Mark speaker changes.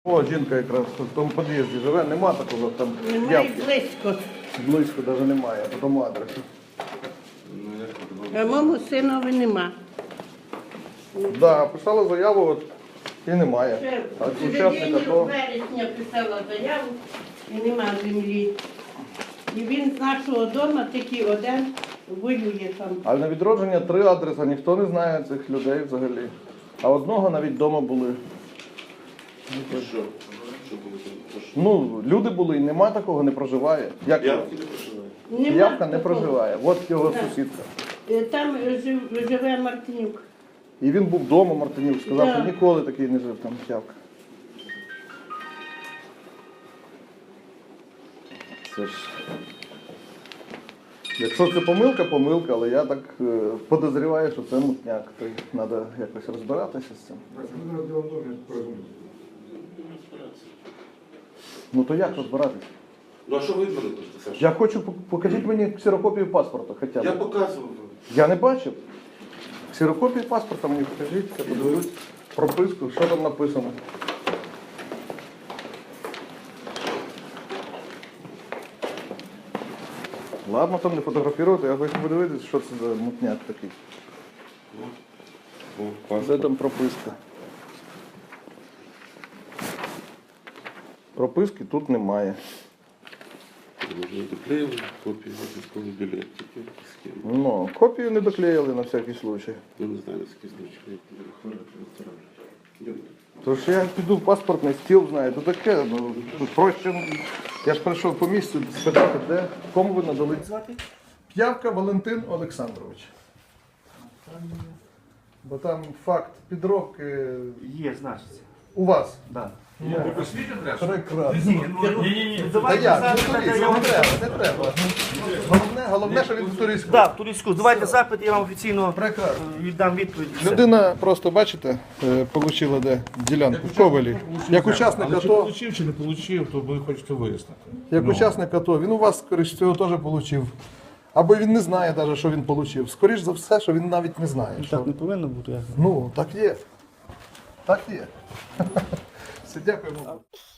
Speaker 1: О, жінка якраз в тому під'їзді живе, нема такого там.
Speaker 2: Немає близько.
Speaker 1: Близько навіть немає, по тому адресу.
Speaker 2: А мого синові нема.
Speaker 1: Да, писала заяву от, і немає.
Speaker 2: Ще
Speaker 1: А
Speaker 2: в
Speaker 1: учасника
Speaker 2: середині
Speaker 1: то.
Speaker 2: вересня писала заяву і нема землі. І він з нашого дому тільки один воює там.
Speaker 1: Але на відродження 3 адреси, ніхто не знає цих людей взагалі. А одного навіть вдома були.
Speaker 3: Що? Що було?
Speaker 1: Ну, люди були і нема такого, не проживає. Як
Speaker 3: Явки не проживає.
Speaker 2: Нема
Speaker 1: Явка не
Speaker 2: такого.
Speaker 1: проживає. От його
Speaker 2: Так.
Speaker 1: сусідка.
Speaker 2: Там живе Мартинюк.
Speaker 1: І він був вдома, Мартинюк, сказав,
Speaker 2: Да.
Speaker 1: що ніколи такий не жив там Явка. Це ж... Якщо це помилка, помилка, але я так подозріваю, що це мутняк. То треба якось розбиратися з цим. Ну то як розбиратися?
Speaker 3: Ну а що ви від мене хочете, Саша?
Speaker 1: Я хочу, покажіть мені ксерокопію паспорта хоча б.
Speaker 3: Я показував.
Speaker 1: Я не бачив. Ксерокопію паспорта мені покажіть, я подивлюсь прописку, що там написано. Ладно, там не фотографувати, я хочу подивитися, що це за мутняк такий. Де там прописка? Прописки тут немає.
Speaker 3: Можна доклеїли копію військового білету. Схему.
Speaker 1: Ну, копію не доклеїли на всякий случай.
Speaker 3: Ну не знаю, наскільки значно. Йдемте.
Speaker 1: Тож я піду в паспортний стіл, знаю, то таке, ну, тут проще. Я ж прийшов по місцю спитати, де, кому ви надали. П'явка Валентин Олександрович. Бо там факт підробки
Speaker 4: Є, значиться.
Speaker 1: у вас.
Speaker 4: Да.
Speaker 1: Прекрасно.
Speaker 4: Ні.
Speaker 1: Та
Speaker 4: Давайте
Speaker 1: як?
Speaker 4: запит,
Speaker 1: Ну,
Speaker 4: я вам...
Speaker 1: не треба. Головне, що він в туристську.
Speaker 4: Да, в туристську. Давайте запит, я вам офіційно
Speaker 1: Прекрасно.
Speaker 4: віддам відповідь. Все.
Speaker 1: Людина просто, бачите, отримала де ділянку в Ковелі. Як учасник
Speaker 5: Але чи
Speaker 1: АТО,
Speaker 5: отримав, чи не отримав, то ви хочете вияснити.
Speaker 1: як учасник АТО, він у вас, скоріш всього, теж отримав. Або він не знає навіть, що він отримав. Скоріш за все, що він навіть не знає. Що...
Speaker 4: Так не повинно бути.
Speaker 1: Ну, так є. Так є. Все, дякуємо.